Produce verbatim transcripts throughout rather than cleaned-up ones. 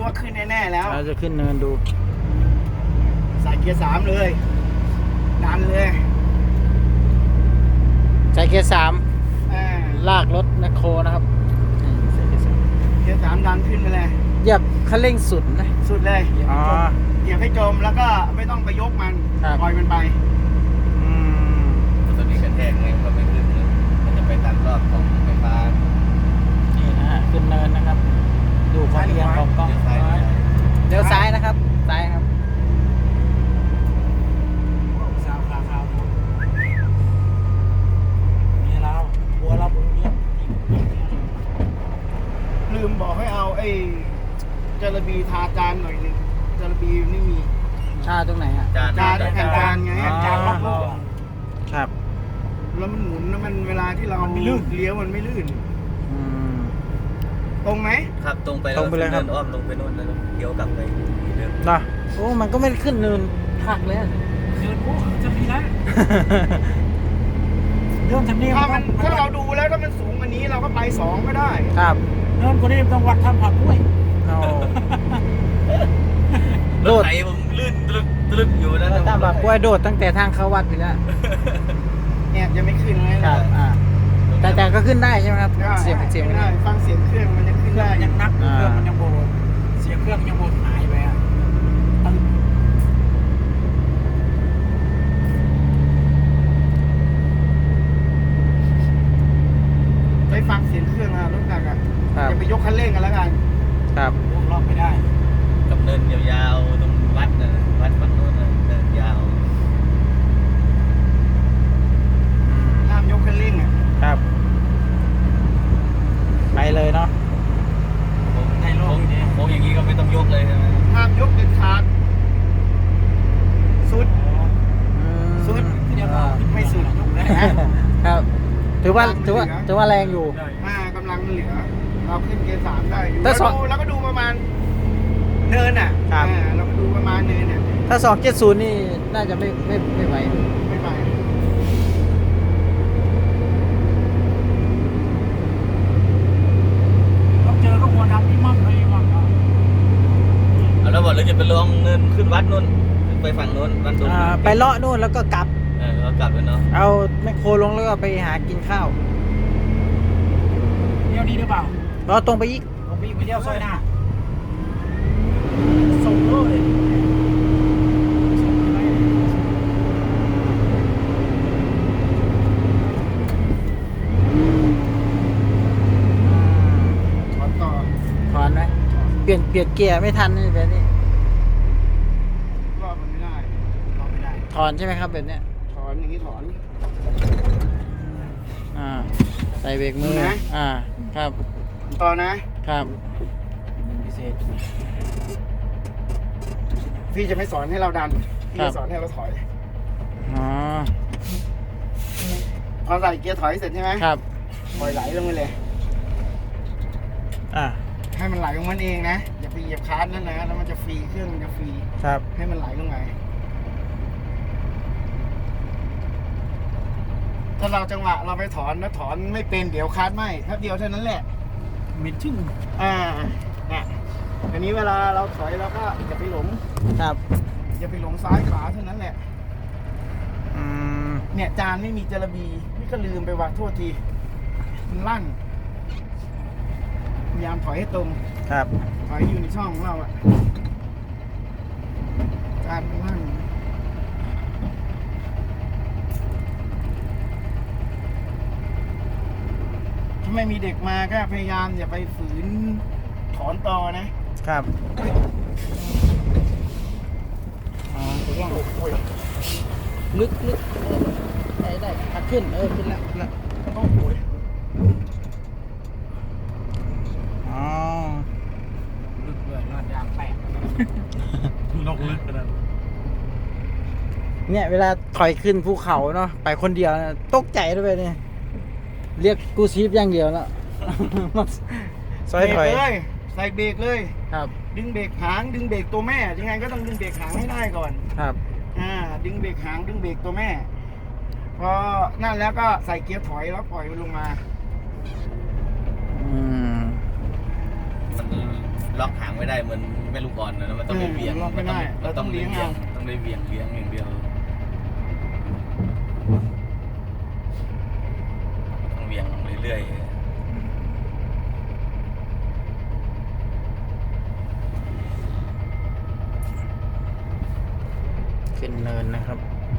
ว่าขึ้นแน่ๆแล้วเราจะขึ้นเนินดูใส่เกียร์สามเลยดันเลยใส่เกียร์สามอ่าลากรถแมคโครนะครับใส่เกียร์สามเกียร์สามดันขึ้นไปเลยเหยียบคันเร่งสุดนะสุดเลยอ๋อเหยียบให้จมแล้วก็ไม่ต้องไปยกมันปล่อยมันไปอืมตอนนี้กระแทกไงก็ไม่ขึ้นเลยมันจะไปตามรอบของไฟฟ้านี่นะฮะขึ้นเนินนะครับดูความเอียงของกล้องเดี๋ยวซ้ายนะครับซ้ายครับสาวขาขาวนี่เราบัวเราบุญเยี่ยมลืมบอกให้เอาไอ้จระบีทาจานหน่อยนึงจระบีไม่มีชาตรงไหนอ่ะจานจานแผ่นจานไงจานรับลูกครับแล้วมันหมุนแล้วมันเวลาที่เราเลี้ยวมันไม่ลื่นอืมตรงไหมครับตรงไปตรงไปเลยครับเดินอ้อมลงไปโน่นแล้วเลี้ยวกลับไปเดิมนะโอ้มันก็ไม่ได้ขึ้นเนินหักเลยเดินโอ้จะมีนั้นเดินทำนี่ถ้ามันถ้าเราดูแล้วถ้ามันสูงกว่านี้เราก็ไปสองก็ได้ครับเดินกว่านี้ต้องวัดทำผักด้วยโดดไถผมลื่นตลึกตลึกอยู่นะตามแบบกล้วยโดดตั้งแต่ทางเข้าวัดไปแล้วเนี่ยจะไม่ขึ้นเลยครับอ่าแต่แต่ก็ขึ้นได้ใช่ไหมครับเสียงเสียงไม่ได้ฟังเสียงเครื่องมันยังขึ้นได้ยังนักเครื่องมันยังโบเสียงเครื่องยังโบหายไปอ่ะไปฟังเสียงเครื่องอะรถหนักอ่ะจะไปยกคันเร่งกันแล้วกันครับรอบไม่ได้กับเนินยาวๆตรงวัดนะวัดฝั่งโน้นนะเนินยาวห้ามยกคันเร่งอ่ะครับไปเลยเนาะในโลกนี้โค้งอย่างนี้ก็ไม่ต้องยกเลยใช่ไหมห้ามยกเด็ดขาดสุดสุดไม่สุดครับถือว่าถือว่าถือว่าแรงอยู่มากำลังเหลือเราขึ้นเกียร์สามได้อยู่แล้วดูแล้วก็ดูประมาณเนินอ่ะเราก็ดูประมาณเนินเนี่ยถ้าสองเจ็ดศูนย์นี่น่าจะไม่ไม่ไม่ไหวไม่ไหวต้องเจอก็ควรทำที่มั่งเลยมั่งเอาแล้วบอกเราจะไปลองเนินขึ้นวัดนู่นขึ้นไปฝั่งนู้นวัดนู้นไปเลาะนู่นแล้วก็กลับเออเรากลับเลยเนาะเอาแมคโครลงแล้วก็ไปหากินข้าวเลี้ยวนี้หรือเปล่าเราตรงไปอีกตรงไปอีกไปเลี้ยวซอยหน้าส่งเลยถอนต่อถอนไหมเปลี่ยนเปลี่ยนเกียร์ไม่ทันนี่แบบนี้รอบมันไม่ได้รอบไม่ได้ถอนใช่ไหมครับแบบเนี้ยถอนอย่างนี้ถอนอ่าใส่เบรกมือนะอ่าครับต่อนะครับพิเศษพี่จะไม่สอนให้เราดันพี่จะสอนให้เราถอยอ๋อพอใส่เกียร์ถอยเสร็จใช่ไหมครับปล่อยไหลลงไปเลยอ่าให้มันไหลลงมันเองนะอย่าไปเหยียบคลัตช์นั่นนะแล้วมันจะฟรีเครื่องมันจะฟรีครับให้มันไหลลงไปถ้าเราจังหวะเราไปถอนแล้วถอนไม่เป็นเดี๋ยวคลัตช์ไหมแค่เดียวเท่านั้นแหละมิดชึ่งอ่าเนี่ยอันนี้เวลาเราถอยเราก็อย่าไปหลงครับอย่าไปหลงซ้ายขวาเท่านั้นแหละอืมเนี่ยจานไม่มีจระบีนี่ก็ลืมไปว่าโทษทีมันลั่นพยายามถอยให้ตรงครับถอยอยู่ในช่องของเราอะจานมันลั่นถ้าไม่มีเด็กมาก็พยายามอย่าไปฝืนถอนต่อนะครับอ๋อถูกต้องลึกลึกได้ได้พักขึ้นเออขึ้นแล้วขึ้นแล้วโอ้โหอ๋อลึกเลยนอนยางแตกลงลึกขนาดเนี่ยเวลาถอยขึ้นภูเขาเนาะไปคนเดียวตกใจด้วยเนี่ยเรียกกูชีพอย่างเดียวแล้วซอยถอยเลยใส่เบรกเลยครับดึงเบรกหางดึงเบรกตัวแม่ยังไงก็ต้องดึงเบรกหางให้ได้ก่อนครับอ่าดึงเบรกหางดึงเบรกตัวแม่พอนั่นแล้วก็ใส่เกียร์ถอยแล้วปล่อยมันลงมาอืมล็อกหางไม่ได้เหมือนแม่ลูกอ่อนนะมันต้องไปเบี่ยงล็อกไม่ได้มันต้องเราต้องเลี้ยงเบี่ยเอางต้องได้เบี่ยงเลี้ยงอย่างเดียวต้องเบี่ยงเรื่อยๆขึ้นเนินนะครับ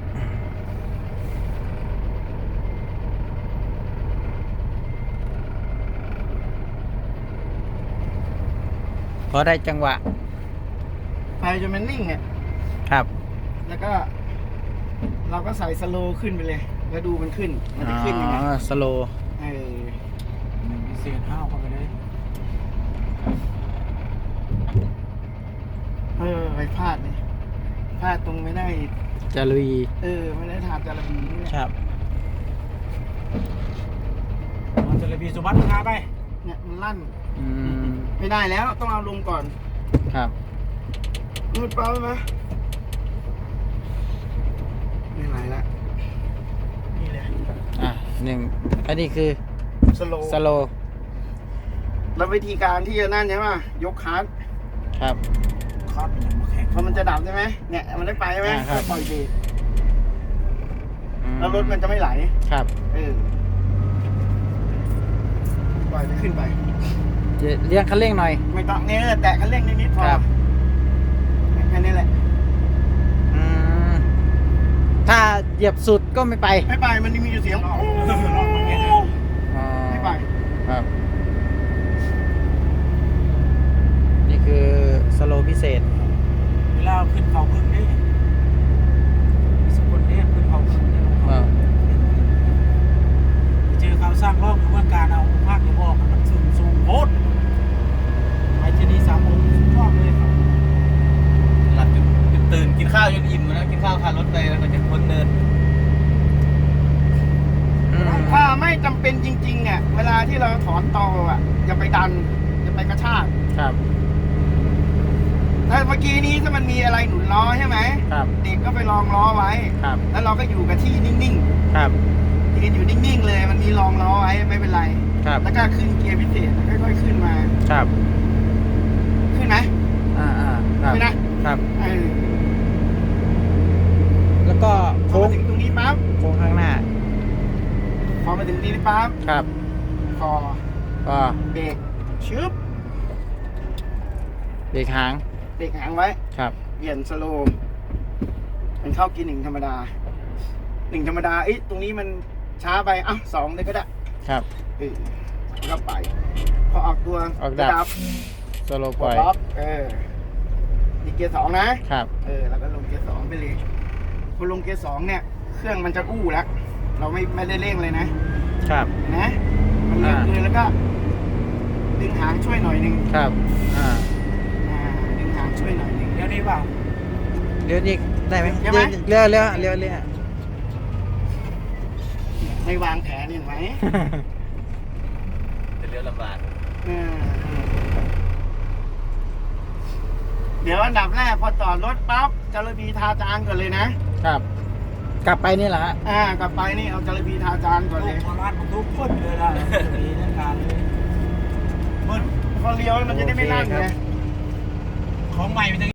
พอได้จังหวะไปจนมันนิ่งเนี่ยครับแล้วก็ เราก็ใส่สโลว์ขึ้นไปเลย แล้วดูมันขึ้น มันอ๋จะขึ้นยังไงอสโลเออเศษห้าวเข้าไปเลยเออไปพลาดเลยพลาดตรงไม่ได้จะลุยเออไม่ได้ถามจาระบีนี่แหละครับมันจะเลยมีสุบัติพาไปเนี่ยมันลั่นอืมไม่ได้แล้วต้องเอาลงก่อนครับมืดเปล่าไหมไม่ไหลละนี่เลยอ่ะหนึ่งอันนี้คือสโลว์สโลแล้ววิธีการที่จะนั่นใช่ไหมยกคาร์ดครับคาดมันมาแข่งพอมันจะดับใช่ไหมเนี่ยมันได้ไปใช่ไหมอ่าครับก็ปล่อยเบรกอืแล้วรถมันจะไม่ไหลครับเออปล่อยจะขึ้นไปจะเลี้ยงคันเร่งหน่อยไม่ต้องเนี่ยแตะคันเร่งนิดๆพอครับแค่นี้แหละอืมถ้าเหยียบสุดก็ไม่ไปไม่ไปมันมีอยู่เสียงลองลองมาแข่งอ๋อไม่ไปครับ นี่คือสโลพิเศษเวลาขึ้นเขาพึ่งนี่สกุลเนี่ยขึ้นเขาพึ่งนี่อ่าเจอเขาสร้างรอบหรือว่าการเอาภาคเดียวออกมันสูงสูงโคตรไอ้ที่นี่สามองค์สุดยอดเลยครับหลับจนจนตื่นกินข้าวจนอิ่มนะกินข้าวคารถไปแล้วก็จะพ้นเนินอืมถ้าไม่จำเป็นจริงๆเนี่ยเวลาที่เราถอนตออ่ะอย่าไปดันอย่าไปกระชากครับถ้าเมื่อกี้นี้ถ้ามันมีอะไรหนุนล้อใช่ไหมครับเด็กก็ไปลองล้อไว้ครับแล้วเราก็อยู่กับที่นิ่งครับๆยืนอยู่นิ่งๆเลย มันมีรองล้อไว้ไม่เป็นไรครับแล้วก็ขึ้นเกียร์พิเศษแล้วค่อยๆขึ้นมาครับขึ้นไหมอ่าอ่าครับขึ้นนะครับ เออแล้วก็พอโค้งมาถึงตรงนี้ปั๊บโค้งข้างหน้าพอมาถึงตรงนี้ปั๊บครับพอก็เบรกชึบเบรกหางเบรกหางไว้ครับเปลี่ยนสโลว์มันเข้ากีหนึ่งธรรมดาหนึ่งธรรมดาเอ้ยตรงนี้มันช้าไปอ่ะสองเลยก็ได้ครับเออแล้วก็ไป พอออกตัวออกดับจะสโลปปลล่ดอยล็อกเออนี่เกียร์สองนะครับเออแล้วก็ลงเกียร์สองไปเลยพอลงเกียร์สองเนี่ย เครื่องมันจะอู้แล้ว เราไม่ไม่ได้เร่งเลยนะครับ เห็นไหมมันเร่งอ่าเลยแล้วก็ ดึงหางช่วยหน่อยหนึ่งครับ อ่าอ่าดึงหางช่วยหน่อยหนึ่งเดี๋ยวนี้เปล่าเลี้ยวอีกได้ไหมเลี้ยวไหมเลี้ยวเลี้ยวเลี้ยวเลี้ยวไม่วางแผนเห็นไหมจะเลี้ยวลำบากเออเดี๋ยวอันดับแรกพอจอดรถปั๊บจารบีทาจานก่อนเลยนะครับกลับไปนี่แหละฮะอ่ากลับไปนี่เอาจารบีทาจานก่อนลูเลกยโบราณมันทุกคนเลยล่ะมีนักการเลยมึนพอเลี้ยวมันจะได้ไม่ลั่นไงของใหม่มันจะ